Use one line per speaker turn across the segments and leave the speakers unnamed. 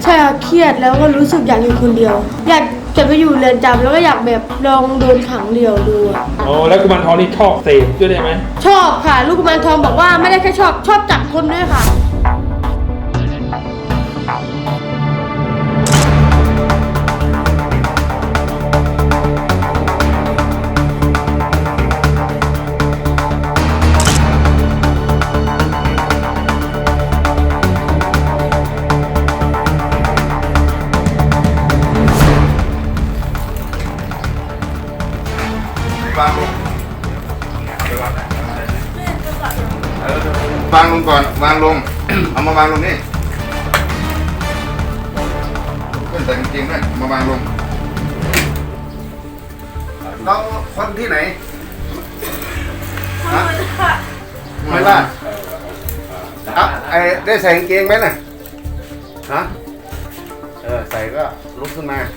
ใช่ค่ะเครียดแล้วก็รู้สึกอยากอยู่คนเดียว อยากจะไปอยู่เรือนจำแล้วก็อยากแบบลองโดนขังเดียวดูอะ
อ๋อแล้วกุมารทองนี่ชอบเสพด้วยได้ไหม
ชอบค่ะลูกกุมารทองบอกว่าไม่ได้แค่ชอบจับคนด้วยค่ะ
วางลงก่อนวางลง เอามาวางลงนี่เพื่อนแต่งจริงด้วยมาวางลงเราคนที่ไหนฮะไม่ว่าได้ใส่กางเกงไหมน่ะฮะใส่ก็ลุกขึ้นมา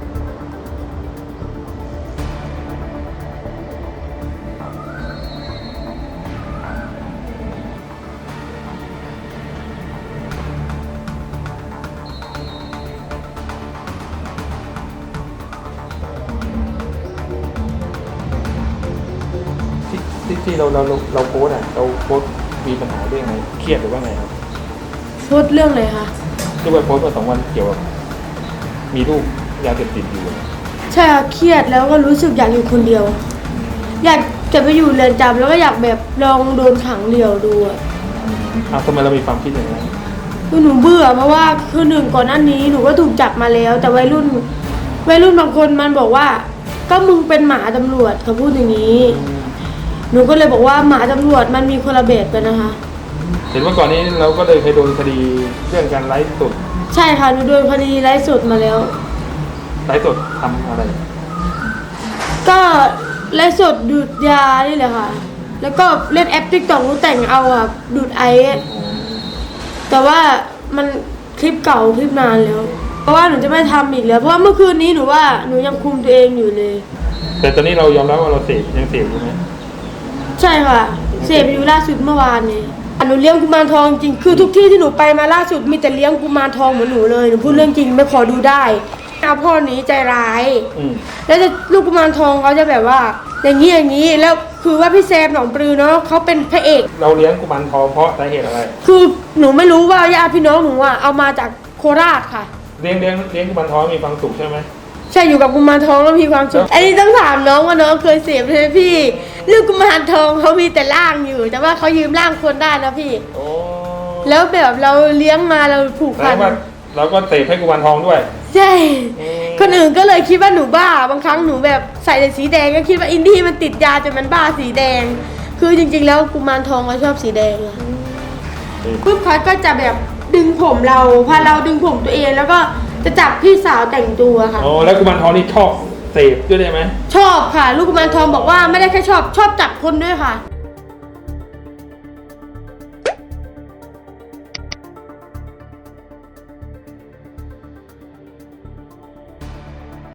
ที่เราโพสต์อ่ะเราโพสต์มีปัญหาเรื่องไงเครียดหรือว่าไงครับ
โทษเรื่องอะไรคะ
ที่ว่าโพสต์มา2 วันเกี่ยวกับมีลูกยาเสพติดอยู่
ใช่ค่ะเครียดแล้วก็รู้สึกอยากอยู่คนเดียว อยากจะไปอยู่เรือนจำแล้วก็อยากแบบลองโดนขังเดียวดูอะ
ทำไมเรามีความคิดอย่างนั้น
คือหนูเบื่อเพราะว่าคือหนึ่งก่อนหน้านี้หนูก็ถูกจับมาแล้ว แต่วัยรุ่นบางคนมันบอกว่า ก็มึงเป็นหมาตำรวจเขาพูดอย่างนี้ หนูก็เลยบอกว่าหมาตำรวจมันมีคนละแบบกันนะคะ
เห็นว่าก่อนนี้เราก็เลยเคยโดนคดีเรื่องการไลฟ์สด
ใช่ค่ะหนูโดนคดีไร้สดมาแล้ว
ไลฟ์สดทำอะไร
ก็ไร้สดดูดยานี่แหละค่ะ แล้วก็เล่นแอปติ๊กต็อกหนูแต่งเอาอะดูดไอซ์แต่ว่ามันคลิปเก่าคลิปนานแล้ว เพราะว่าหนูจะไม่ทำอีกแล้วเพราะว่าเมื่อคืนนี้หนูว่าหนูยังคุมตัวเองอยู่เลย
แต่ตอนนี้เรายอมรับว่าเรายังเสพอยู่ไหม
ใช่ค่ะเสพอยู่ล่าสุดเมื่อวานนี้หนูเลี้ยงกุมารทองจริงคือทุกที่ที่หนูไปมาล่าสุดมีแต่เลี้ยงกุมารทองเหมือนหนูเลยหนูพูดเรื่องจริงไม่ขอดูได้เอาพ่อหนีใจร้าย แล้วจะลูกกุมารทองเขาจะแบบว่าอย่างนี้แล้วคือว่าพี่แซมหนองปลือเนาะเขาเป็นพระเอก
เราเลี้ยงกุมารทองเพราะสาเหตุอะไร
คือหนูไม่รู้ว่าญาติพี่น้องหนูอะเอามาจากโคราชค่ะ
เลี้ยงกุมารทองมีความสุขใช่ไหม
ใช่อยู่กับกุมารทองแล้วมีความสุขอันนี้ต้องถามน้องว่าน้องเคยเสพใช่ไหมพี่ลูกกุมารทองเขามีแต่ร่างอยู่ แต่ว่าเขายืมร่างคนได้นะพี่
โอ้
แล้วแบบเราเลี้ยงมาเราผูก
แสด
พัน
งว่าเราก็เสพให้กุมารทองด้วย
ใช่คนอื่นก็เลยคิดว่าหนูบ้าบางครั้งหนูแบบใส่แต่สีแดงก็คิดว่าอินดี้มันติดยาจนมันบ้าสีแดง คือจริงๆแล้วกุมารทองเขาชอบสีแดงอะปุ๊บเขาก็จะแบบดึงผมเราพาเราดึงผมตัวเองแล้วก็จะจับพี่สาวแต่งตัวค่ะ
อ๋อแล้วกุมารทองนี่ชอบเสพด้วยได้ไหม
ชอบค่ะลูกกุมารทองบอกว่าไม่ได้แค่ชอบจับคนด้วยค่ะ